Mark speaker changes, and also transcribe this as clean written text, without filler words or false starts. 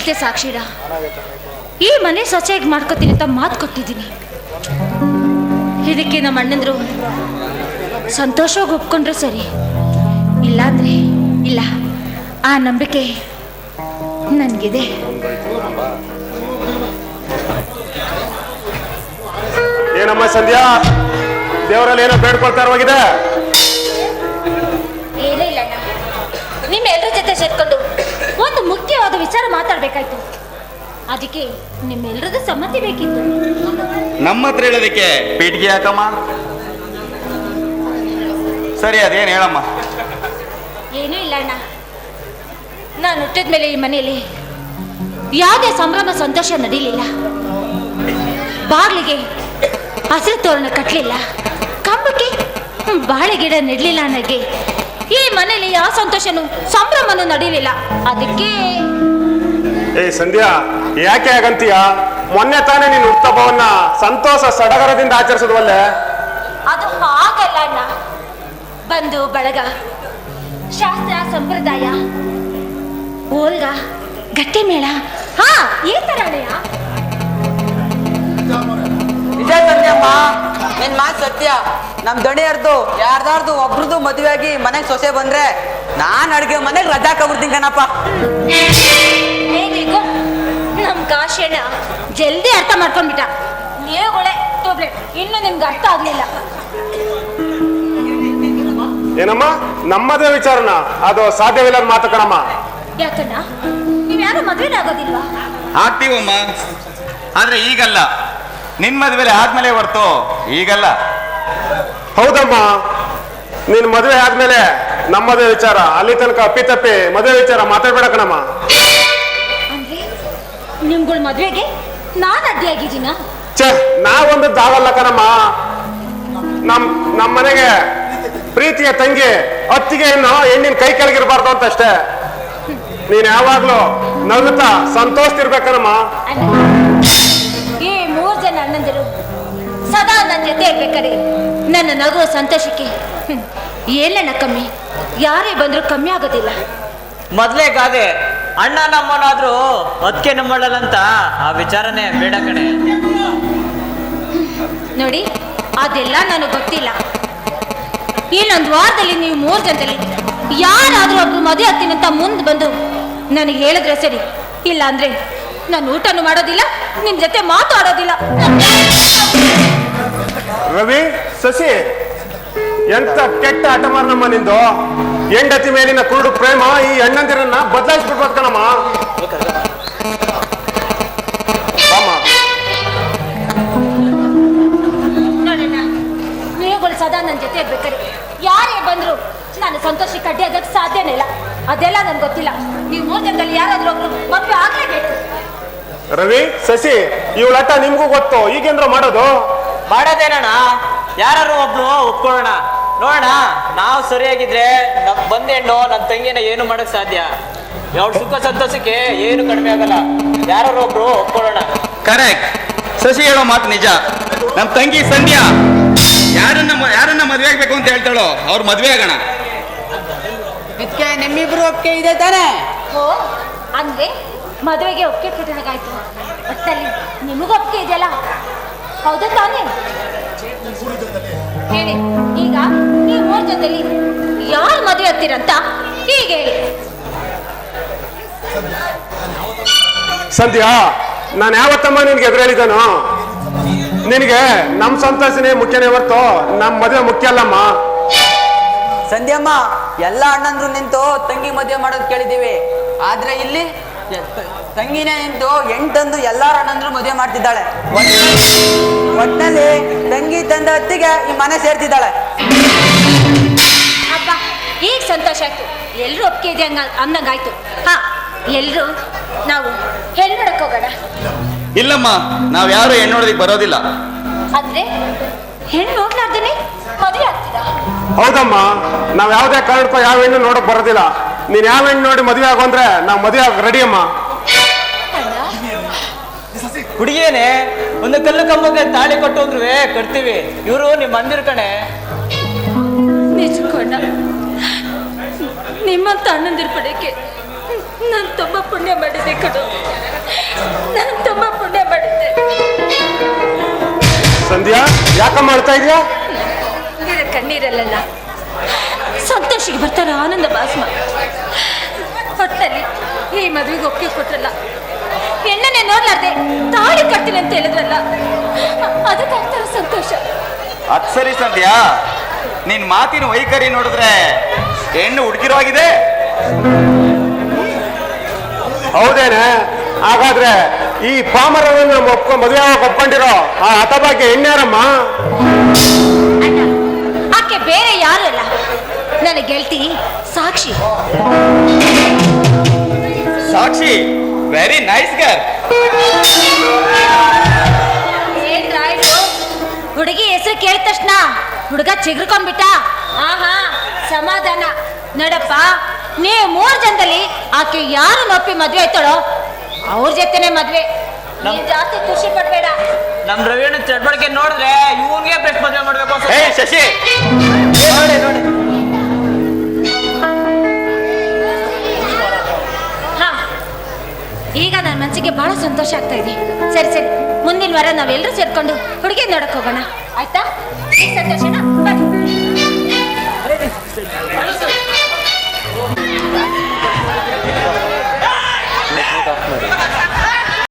Speaker 1: ಹೇಳ್ತೆ ಸಾಕ್ಷಿರ, ಈ ಮನೆ ಸೊಸೆಯಾಗಿ ಮಾಡ್ಕೊತೀನಿ ಅಂತ ಮಾತು ಕೊಟ್ಟಿದ್ದೀನಿ. ಇದಕ್ಕೆ ನಮ್ಮ ಅಣ್ಣಂದ್ರು ಸಂತೋಷವಾಗಿ ಒಪ್ಕೊಂಡ್ರೆ ಸರಿ, ಇಲ್ಲಾಂದ್ರೆ ಇಲ್ಲ. ಆ ನಂಬಿಕೆ ನನಗಿದೆ.
Speaker 2: ಏನಮ್ಮ ಸಂಧ್ಯಾ, ದೇವರಲ್ಲಿ ಏನೋ ಬೇಡ್ಕೊಳ್ತಾ ಇರುವಾಗಿದೆ?
Speaker 1: ಏನೂ ಇಲ್ಲ ಅಣ್ಣ, ನಿಮ್ಮೆಲ್ಲರ ಜೊತೆ ಸೇರ್ಕೊಂಡು ಒಂದು ಮುಖ್ಯವಾದ ವಿಚಾರ ಮಾತಾಡ್ಬೇಕಾಯ್ತು. ಅದಕ್ಕೆ ನಿಮ್ಮೆಲ್ಲರದ್ದು ಸಮ್ಮತಿ ಬೇಕಿತ್ತು.
Speaker 3: ನಮ್ಮ ಹತ್ರ ಹೇಳೋದಕ್ಕೆ ಪೀಠಿಗೆ ಯಾಕಮ್ಮ? ಸರಿ, ಅದೇನು ಹೇಳಮ್ಮ.
Speaker 1: ಏನೂ ಇಲ್ಲ ಅಣ್ಣ, ನಾನು ಹುಟ್ಟಿದ ಮೇಲೆ ಈ ಮನೆಯಲ್ಲಿ ಯಾವುದೇ ಸಂಭ್ರಮ ಸಂತೋಷ ನಡೀಲಿಲ್ಲ. ಬಾಗಿಲಿಗೆ ಹಸಿರು ತೋರಣ ಕಟ್ಟಲಿಲ್ಲ, ಕಂಬಕ್ಕೆ ಬಾಳೆ ಗಿಡ ನೆಡಲಿಲ್ಲ. ನನಗೆ ಈ ಮನೆಯಲ್ಲಿ ಯಾವ ಸಂತೋಷನೂ ಸಂಭ್ರಮನೂ ನಡೀಲಿಲ್ಲ. ಅದಕ್ಕೆ
Speaker 2: ಏ ಸಂಧ್ಯಾ, ಯಾಕೆ ಹಾಗಂತೀಯ? ಮೊನ್ನೆ ತಾನೇ ನೀನು ಹುಟ್ಟುಹಬ್ಬವನ್ನ ಸಂತೋಷ ಸಡಗರದಿಂದ ಆಚರಿಸಿದ್ವಲ್ಲೇ?
Speaker 1: ಅದು ಹಾಗಲ್ಲ ಅಣ್ಣ. ಬಂಧು ಬಳಗ, ಶಾಸ್ತ್ರ ಸಂಪ್ರದಾಯ, ಓಲ್ಗ, ಗಟ್ಟಿ ಮೇಳ, ಹಾ ಈ ತರ ಅಣ್ಣಯ್ಯ.
Speaker 4: ನಿಜ ಸಂಧ್ಯಮ್ಮ, ನಿನ್ ಮಾತು ಸತ್ಯ. ನಮ್ ದಣಿಯರ್ದು ಯಾರ್ದಾರ್ದು ಒಬ್ರದ್ದು ಮದುವೆ ಆಗಿ ಮನೆಗೆ ಸೊಸೆ ಬಂದ್ರೆ ನಾನ್ ಅಡ್ಗೆ ಮನೆಗೆ ರಜಾ ಕಬಿಡ್ತೀನಿ ಕಣಪ್ಪ.
Speaker 1: ಹೇಗಿಗೂ ನಮ್ ಕಾಶಣ್ಣ ಜಲ್ದಿ ಅರ್ಥ ಮಾಡ್ಕೊಂಡ್ಬಿಟ್ಟ. ನೀವುಗಳೇ ಟೋಬ್ಲೆಟ್, ಇನ್ನು ನಿಮ್ಗೆ ಅರ್ಥ ಆಗ್ಲಿಲ್ಲ.
Speaker 2: ಏನಮ್ಮ, ನಮ್ಮದೇ ವಿಚಾರನ ಅದು ಸಾಧ್ಯವಿಲ್ಲ ಮಾತು ಕಣಮ್ಮ.
Speaker 1: ಯಾಕಣ್ಣ, ನೀವ್ಯಾರು ಮದ್ವೆನೇ ಆಗೋದಿಲ್ವಾ?
Speaker 3: ಆಗ್ತೀವಮ್ಮ, ಆದ್ರೆ ಈಗಲ್ಲ. ನಿನ್ ಮದ್ವೆಲೆ ಆದ್ಮೇಲೆ ಹೊರ್ತು ಈಗಲ್ಲ.
Speaker 2: ಹೌದಮ್ಮ, ನೀನ್ ಮದುವೆ ಆದ್ಮೇಲೆ ನಮ್ಮದೇ ವಿಚಾರ. ಅಲ್ಲಿ ತನಕ ಅಪ್ಪಿತಪ್ಪಿ ಮದುವೆ ವಿಚಾರ ಮಾತಾಡ್ಬೇಡ ಕಣಮ್ಮ.
Speaker 1: ಅಂದ್ರೆ ನಿಮ್ಗಳ ಮದ್ವೆಗೆ ನಾನ್ ಅಡ್ಡಿಯಾಗಿದ್ದೀನ?
Speaker 2: ಛೇ, ನಾವೊಂದು ದಾವಲ್ಲ ಕಣಮ್ಮ. ನಮ್ಮ ಮನೆಗೆ ಪ್ರೀತಿಯ ತಂಗಿ ಅತ್ತಿಗೆ ಹೆಣ್ಣಿನ ಕೈ ಕೆಳಗಿರ್ಬಾರ್ದು ಅಂತ ಅಷ್ಟೇ. ನೀನ್ ಯಾವಾಗ್ಲೂ ನಗುತ್ತಾ ಸಂತೋಷಿರ್ಬೇಕನಮ್ಮ.
Speaker 1: ಈ 3 ಜನ ಅಣ್ಣಂದಿರು ಸದಾ ನನ್ನ ಜೊತೆ ಇರ್ಬೇಕಾರೆ ನನ್ನ ನಗುವ ಸಂತೋಷಕ್ಕೆ ಏನಣ್ಣ ಕಮ್ಮಿ? ಯಾರೇ ಬಂದ್ರು ಕಮ್ಮಿ ಆಗೋದಿಲ್ಲ.
Speaker 4: ಮೊದ್ಲೇ ಗಾದೆ, ಅಣ್ಣ ನಮ್ಮನಾದ್ರೂ ಅದಕ್ಕೆ ನಮ್ಮಳ್ಳಂತ ಆ ವಿಚಾರನೇ ಬೇಡ ಕಣೆ.
Speaker 1: ನೋಡಿ, ಅದೆಲ್ಲ ನನಗೆ ಗೊತ್ತಿಲ್ಲ. ಇನ್ನೊಂದು ವಾರದಲ್ಲಿ ನೀವು 3 ಜನದಲ್ಲಿ ಯಾರಾದ್ರೂ ಒಬ್ರು ಮದುವೆ ಆಗ್ತೀನಿ ಅಂತ ಮುಂದೆ ಬಂದು ನನಗೆ ಹೇಳಿದ್ರೆ ಸರಿ. ಇಲ್ಲ ಅಂದ್ರೆ ನಾನು ಊಟನೂ ಮಾಡೋದಿಲ್ಲ, ನಿಮ್ ಜೊತೆ ಮಾತಾಡೋದಿಲ್ಲ.
Speaker 2: ರವಿ, ಶಶಿ, ಎಂತ ಕೆಟ್ಟ ಹಠಮಾರ ನಮ್ಮ ನಿಂದು. ಹೆಂಡತಿ ಮೇಲಿನ ಕುರುಡು ಪ್ರೇಮ ಈ ಅಣ್ಣಂದಿರನ್ನ ಬದಲಾಯಿಸ್ಬಿಡ್ಬೋದು ಕಣಮ್ಮ.
Speaker 1: ನೋಡೋಣ, ನೀವುಗಳು ಸದಾ ನನ್ನ ಜೊತೆ ಇರ್ಬೇಕಾರೆ ಯಾರೇ ಬಂದ್ರು ನಾನು ಸಂತೋಷಕ್ಕೆ ಅಡ್ಡಿ ಆಗಕ್ಕೆ ಸಾಧ್ಯನೇ ಇಲ್ಲ. ಅದೆಲ್ಲ ನನ್ಗೆ ಗೊತ್ತಿಲ್ಲ. ನೀವು 3 ಜನದಲ್ಲಿ ಯಾರಾದ್ರೂ ಒಬ್ರು ಮದುವೆ ಆಗ್ಲೇಬೇಕು.
Speaker 2: ರವಿ, ಶಶಿ, ಇವಳ ಹಠ ನಿಮ್ಗೂ ಗೊತ್ತು. ಈಗೇನ್ರ ಮಾಡೋದು?
Speaker 4: ಮಾಡೋದೇನಣ್ಣ, ಯಾರು ಒಬ್ರು ಒಪ್ಕೊಳ್ಳೋಣ. ನೋಡೋಣ, ನಾವು ಸರಿಯಾಗಿದ್ರೆ ನಮ್ ಬಂದೆಣ್ಣು ನನ್ನ ತಂಗಿನ ಏನು ಮಾಡಕ್ ಸಾಧ್ಯ. ಅವಳ ಸುಖ ಸಂತೋಷಕ್ಕೆ ಏನು ಕಡಿಮೆ ಆಗಲ್ಲ. ಯಾರು ಒಬ್ರು ಒಪ್ಕೊಳ್ಳೋಣ.
Speaker 3: ಕರೆಕ್ಟ್. ಶಶಿ ಹೇಳೋ ಮಾತು ನಿಜ. ನಮ್ ತಂಗಿ ಸಂಧ್ಯಾ ಯಾರನ್ನ ಮದ್ವೆ ಆಗ್ಬೇಕು ಅಂತ ಹೇಳ್ತಾಳೋ ಅವ್ರ ಮದ್ವೆ ಆಗೋಣ.
Speaker 4: ಇದಕ್ಕೆ ನಿಮ್ಮಿಬ್ರು ಒಪ್ಪಿಗೆ ಇದೆ ತಾನೇ?
Speaker 1: ಓ, ಅಂದ್ರೆ ಮದುವೆಗೆ ಒಪ್ಪಿಗೆ ಕೊಟ್ಟನಾಗಾಯ್ತು. ಒಟ್ಟಲ್ಲಿ ನಿಮಗೂ ಒಪ್ಪಿಗೆ ಇದೆಯಲ್ಲ, ಹೌದಾ ತಾನೇ? ಹೇಳಿ, ಈಗ ನೀವು 3 ಜನದಲ್ಲಿ ಯಾರು ಮದುವೆ ಆಗ್ತೀರಂತ ಹೀಗೆ ಹೇಳಿ.
Speaker 2: ಸಂಧ್ಯಾ, ನಾನು ಯಾವತ್ತಮ್ಮ ನಿನ್ಗೆ ಎದುರು ಹೇಳಿದ್ದಾನು? ನಿನಗೆ ನಮ್ ಸಂತೋಷನೇ ಮುಖ್ಯನೇ ಹೊರ್ತು ನಮ್ ಮದುವೆ ಮುಖ್ಯ ಅಲ್ಲಮ್ಮ.
Speaker 4: ಸಂಧ್ಯಮ್ಮ, ಎಲ್ಲ ಅಣ್ಣಂದ್ರು ನಿಂತು ತಂಗಿ ಮದುವೆ ಮಾಡೋದು ಕೇಳಿದೀವಿ. ಆದ್ರೆ ಇಲ್ಲಿ ತಂಗಿನೇ ನಿಂತು 8 ಎಲ್ಲಾರ ಅಣ್ಣಂದ್ರು ಮದುವೆ ಮಾಡ್ತಿದ್ದಾಳೆ. ಒಟ್ಟಿನಲ್ಲಿ ತಂಗಿ ತಂದ ಹೊತ್ತಿಗೆ ಈ ಮನೆ ಸೇರ್ತಿದ್ದಾಳೆ.
Speaker 1: ಅಪ್ಪ, ಈಗ ಸಂತೋಷ ಆಯ್ತು. ಎಲ್ರು ಒಪ್ಪಿಗೆ ಇದೆ ಅಂದಂಗಾಯ್ತು. ಹಾ, ಎಲ್ರು ನಾವು ಹೆಣ್ಣು ನೋಡಕ್ ಹೋಗೋಣ.
Speaker 3: ಇಲ್ಲಮ್ಮ, ನಾವ್ ಯಾರು ಹೆಣ್ಣು ನೋಡೋದಿಕ್ ಬರೋದಿಲ್ಲ.
Speaker 1: ಅಂದ್ರೆ ಹೆಣ್ಣು ನೋಡ್ಲಾರ್ದೇನೆ ಮದುವೆ ಆಗ್ತೀರಾ?
Speaker 2: ಹೌದಮ್ಮ, ನಾವ್ ಯಾವ್ದೇ ಕಾರಣಕ್ಕೂ ಯಾವ ಹೆಣ್ಣು ನೋಡಕ್ ಬರೋದಿಲ್ಲ. ನೀನ್ ಯಾವ ಹೆಣ್ಣು ನೋಡಿ ಮದುವೆ ಆಗೋ ಅಂದ್ರೆ ನಾವ್ ಮದುವೆ ಆಗ ರೆಡಿ ಅಮ್ಮ.
Speaker 4: ಹುಡುಗಿಯೇನೆ ಒಂದು ಕಲ್ಲು ಕಂಬಕ್ಕೆ ತಾಳಿ ಕೊಟ್ಟೋದ್ರು ಕಟ್ತೀವಿ. ಇವರು ನಿಮ್ಮ ಮಂದಿರ ಕಣೆ.
Speaker 1: ನಿಜಕೊಂಡ ನಿಮ್ಮಂತ ಅಣ್ಣಂದಿರ ಪಡೆಯಕ್ಕೆ ನಾನು ತುಂಬ ಪುಣ್ಯ ಮಾಡಿದ್ದೆ ಕಣೋ, ನಾನು ತುಂಬ ಪುಣ್ಯ ಮಾಡಿದ್ದೆ.
Speaker 2: ಸಂಧ್ಯಾ, ಯಾಕ ಮಾಡ್ತಾ ಇದೀಯಾ?
Speaker 1: ನೀರ ಕಣ್ಣೀರಲ್ಲ, ಸಂತೋಷಿಗೆ ಬರ್ತಾರ ಆನಂದ ಭಾಸ್ಮ. ಹೊಟ್ಟಲ್ಲಿ ಈ ಮದುವೆಗೆ ಒಪ್ಪಿಗೆ ಕೊಟ್ರಲ್ಲ, ಹೆಣ್ಣನ್ನೇ ನೋಡ್ಲಾರ್ದೆ ತಾಳಿ ಕಟ್ತೀನಿ ಅಂತ ಹೇಳಿದ್ರಲ್ಲ, ಅದಕ್ಕಾಗ್ತಾರ ಸಂತೋಷ.
Speaker 3: ಅದ್ ಸರಿ ಸಂಧ್ಯಾ, ನಿನ್ ಮಾತಿನ ವೈಖರಿ ನೋಡಿದ್ರೆ ಹೆಣ್ಣು ಹುಡುಗಿರೋಗಿದೆ.
Speaker 2: ಹೌದೇನೆ? ಹಾಗಾದ್ರೆ ಈ ಪಾಮರವನ್ನು ಮದುವೆ ಒಪ್ಕೊಂಡಿರೋ ಆ ಹತಭಾಗ್ಯ ಹೆಣ್ಣ್ಯಾರಮ್ಮ?
Speaker 1: ಅಣ್ಣ, ಆಕೆ ಬೇರೆ ಯಾರು ಅಲ್ಲ, ನನ್ನ ಗೆಳತಿ Sakshi.
Speaker 3: Sakshi, very nice girl.
Speaker 1: ಹುಡುಗಿ ಹೆಸರು ಕೇಳಿದ ತಕ್ಷಣ ಹುಡುಗ ಚಿಗುರ್ಕೊಂಡ್ಬಿಟ್ಟ. ಆಹಾ, ಸಮಾಧಾನ. ನಡಪ್ಪ, ನೀವು 3 ಜನದಲ್ಲಿ ಆಕೆ ಯಾರು ನೊಪ್ಪಿ ಮದ್ವೆ ಆಯ್ತಾಳೋ ಅವ್ರ ಜೊತೆನೆ ಮದ್ವೆ. ನೀನ್ ಜಾಸ್ತಿ ಖುಷಿ ಪಡ್ಬೇಡ.
Speaker 4: ನಮ್ ರವಿಯಣ್ಣ ಚಟುವಟಿಕೆ ನೋಡಿದ್ರೆ ಇವನ್ಗೆ ಬೆಸ್ಟ್ ಮದುವೆ ಮಾಡ್ಬೇಕು
Speaker 3: ಹೇ ಶಶಿ,
Speaker 4: ನೋಡಿ ನೋಡಿ.
Speaker 1: ಹಾ, ಈಗ ನನ್ನ ಮನಸ್ಸಿಗೆ ಬಹಳ ಸಂತೋಷ ಆಗ್ತಾ ಇದೆ. ಸರಿ ಸರಿ, ಮುಂದಿನ ವಾರ ನಾವೆಲ್ಲರೂ ಸೇರ್ಕೊಂಡು ಹುಡುಗಿ ನೋಡಕ್ ಹೋಗೋಣ, ಆಯ್ತಾ? ಈ ಸಂತೋಷನ ಬನ್ನಿ.